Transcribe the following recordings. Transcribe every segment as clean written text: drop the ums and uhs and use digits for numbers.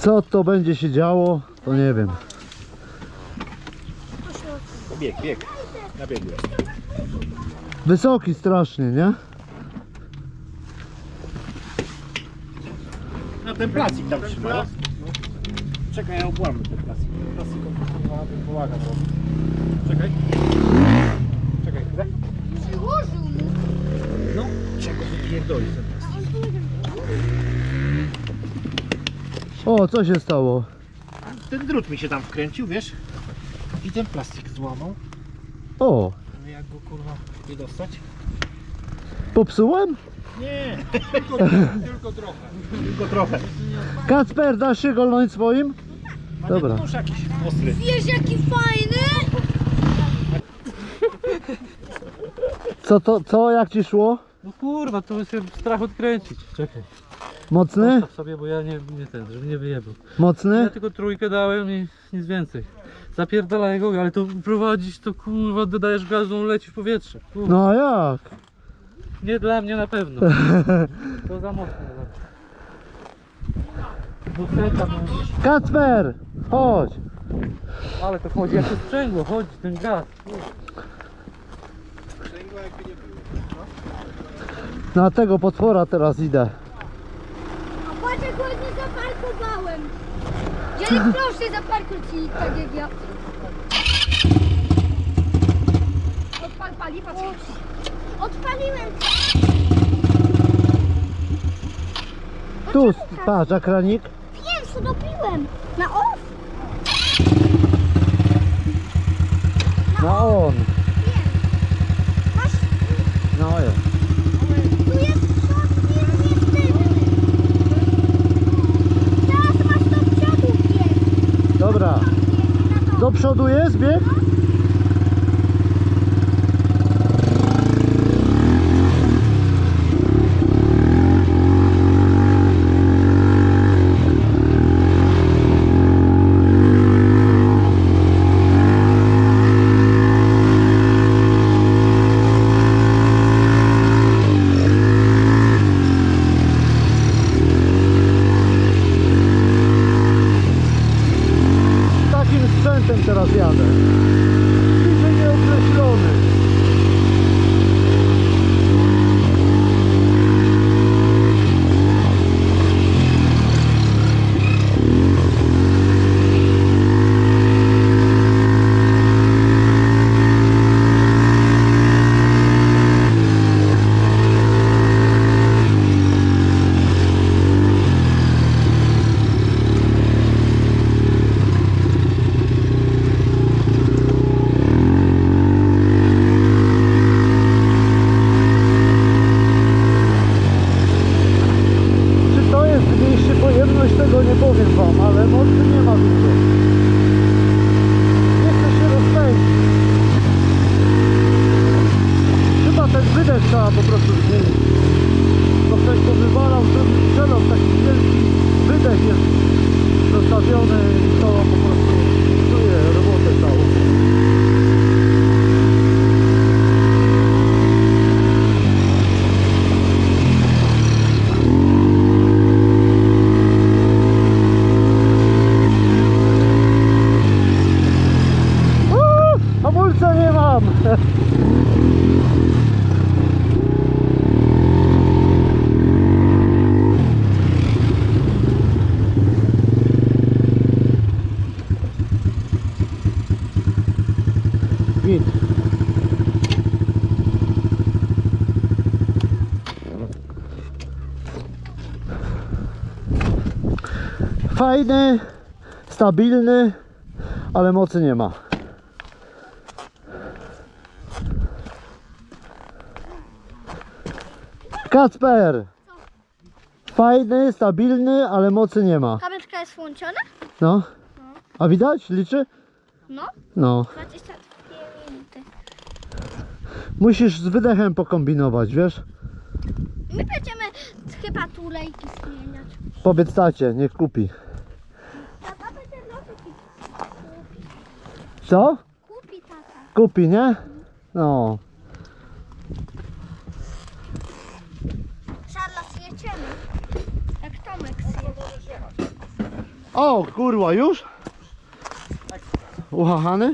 Co to będzie się działo, to nie wiem. Bieg. Na biegu jest. Wysoki strasznie, nie? Na ten plastik tam trzyma. Czekaj, ja obłamę ten plastik. Plastik pomaga robić. Czekaj. Czekaj, chwilę. Przyłożył mu. No, czego wypierdolić ten plastik. O, co się stało? Ten drut mi się tam wkręcił, wiesz? I ten plastik złamał. O, No jak go kurwa nie dostać? popsułem? Nie, tylko trochę. Tylko trochę. Kacper, dasz się golnąć swoim? A Dobra. ten nóż jakiś ostry. Wiesz jaki fajny? Co, jak ci szło? No kurwa, to się strach odkręcić. Czekaj. Mocny? Postaw sobie, bo ja nie ten, żeby nie wyjebał. Ja Mocny? tylko trójkę dałem i nic więcej. Zapierdalaj go, ale to prowadzić to kurwa, dodajesz gazu, on leci w powietrze. Kurwa. No a jak? Nie dla mnie na pewno. To za mocno. Dwusetka, no. Kacper, chodź. Ale to chodzi jak to sprzęgło, chodzi ten gaz. Na tego potwora teraz idę. A patrz jak ładnie zaparkowałem. Dziadek proszę zaparkuj ci tak jak ja. Odpali, patrz. Odpaliłem. Tu, patrz, akranik. Wiem, co dopiłem. Na off. Na on. Wiem. Masz, No jest. tu jest przód, jest tylny. Teraz masz do przodu bieg. Dobra. Do przodu jest bieg? Takim sprzętem teraz jadę. Bliżej nieokreślony. Czy to jest mniejszy pojemność, tego nie powiem wam, ale mocy nie ma dużo. Nie chce się rozpędzić. Chyba ten wydech trzeba po prostu zmienić. To ktoś to wywalał, żeby strzelał, taki wielki wydech jest zostawiony i to po prostu czuje robotę całą. Hamulca nie mam! Git. Fajny, stabilny, ale mocy nie ma. Kacper! Fajny, stabilny, ale mocy nie ma. Kamerka jest włączona? No. A widać? Liczy? No. No. 22 minuty. Musisz z wydechem pokombinować, wiesz? My będziemy chyba tulejki zmieniać. Powiedz tacie, niech kupi. Tata będzie nowy Co? kupi tata. Kupi, nie? No. Szarla zjedziemy. Jak Tomek zje. O kurwa, już? Uchachany?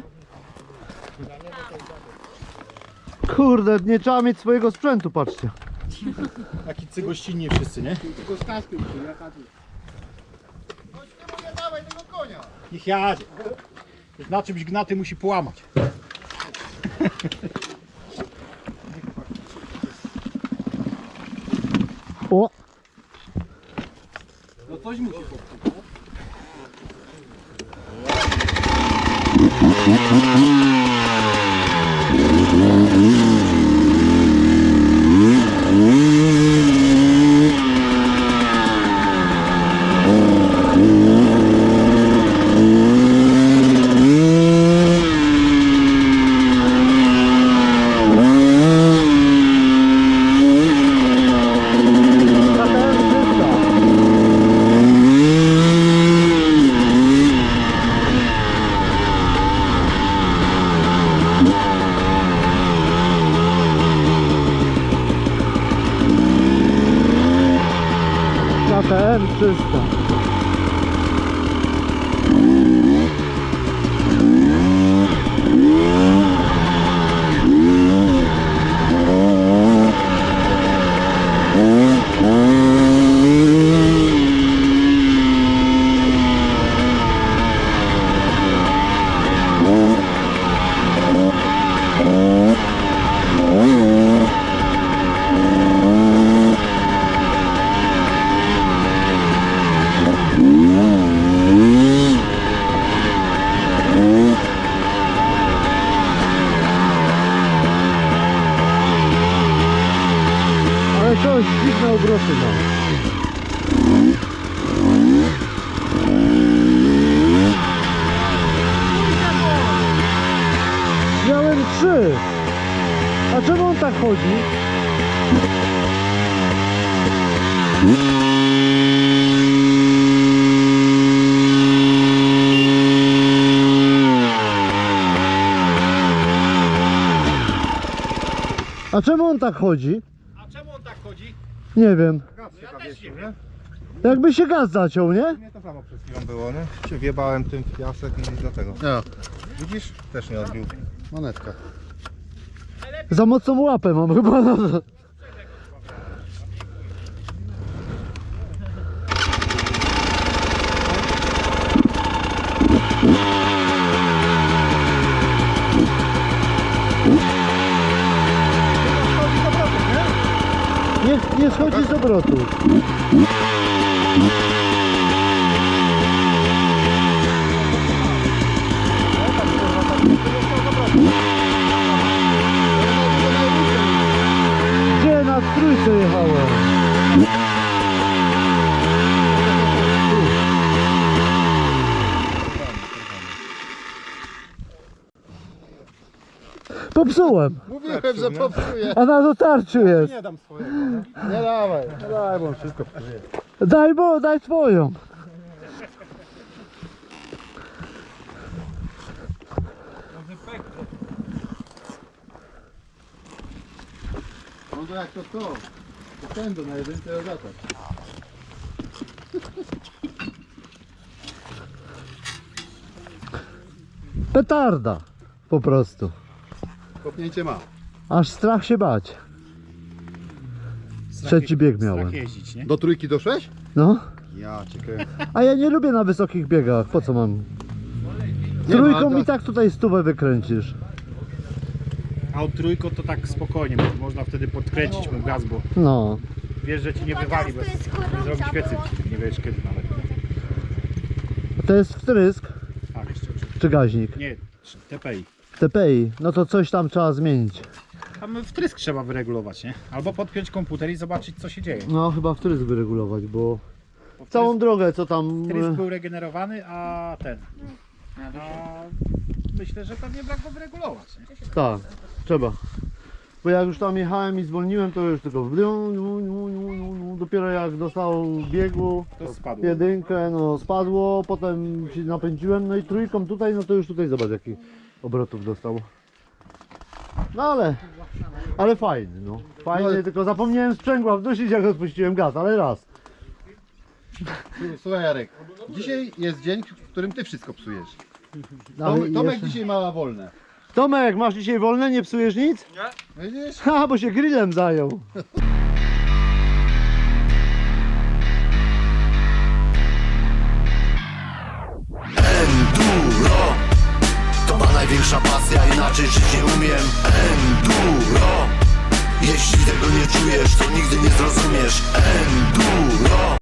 Kurde, nie trzeba mieć swojego sprzętu, patrzcie. Taki cygościnni wszyscy, nie? Tylko z kaskiem, jaka tu. Nie dawaj tego konia. Niech jadzie. Już na czymś gnaty musi połamać. O! No coś musi popsuć. KTM 300. Ale coś dziwne obroty ma. Miałem 3. A czemu on tak chodzi? A czemu on tak chodzi? A czemu on tak chodzi? Nie wiem. Ja też nie wiem. Jakby się gaz zaciął, nie? Nie to samo przed chwilą było, nie? Się wjebałem tym w piasek i dlatego. Ja. Widzisz? Też nie odbił. Monetka. Za mocną łapę mam chyba. Nie schodzi z obrotu. Gdzie na trójce jechałem? Popsułem, Mówiłem, że popsuję. a na dotarciu jest. Nie dam swojego, nie? Nie dawaj, bo on wszystko psuje. Daj swoją. No to jak to? To pędu na jedynce zatak. Petarda. Po prostu. Kopnięcie ma. Aż strach się bać. Trzeci bieg miałem. Strach jeździć, nie? Do trójki doszłeś? No. Ja cię kręcę. A ja nie lubię na wysokich biegach. Po co mam? Nie, Trójką no, mi tak tutaj stówę wykręcisz. A od trójką to tak spokojnie, bo można wtedy podkręcić mu gaz, bo No. wiesz, że ci nie wywali bez... Nie zrobi świecy, nie wiesz kiedy nawet. To jest wtrysk Tak, jeszcze. czy gaźnik? Nie, TPI. TPI. No to coś tam trzeba zmienić. Tam wtrysk trzeba wyregulować, nie? Albo podpiąć komputer i zobaczyć co się dzieje. No chyba wtrysk wyregulować, bo Bo całą drogę co tam... wtrysk był regenerowany, a ten... A myślę, że pewnie brak go wyregulować, nie? Tak, trzeba. Bo jak już tam jechałem i zwolniłem, to już tylko dopiero jak dostał biegu, To spadło. jedynkę, no spadło, potem się napędziłem, no i trójką tutaj, no to już tutaj zobacz jaki obrotów dostał. No ale fajny, no. Fajny, No, tylko zapomniałem sprzęgła wdusić jak odpuściłem gaz, ale raz. Słuchaj Jarek, dzisiaj jest dzień, w którym ty wszystko psujesz. Ale Tomek jeszcze- dzisiaj ma wolne. Tomek, masz dzisiaj wolne, nie psujesz nic? Widzisz? Ha, bo się grillem zajął. Enduro to ma największa pasja, inaczej żyć nie umiem. Enduro, jeśli tego nie czujesz, to nigdy nie zrozumiesz. Enduro.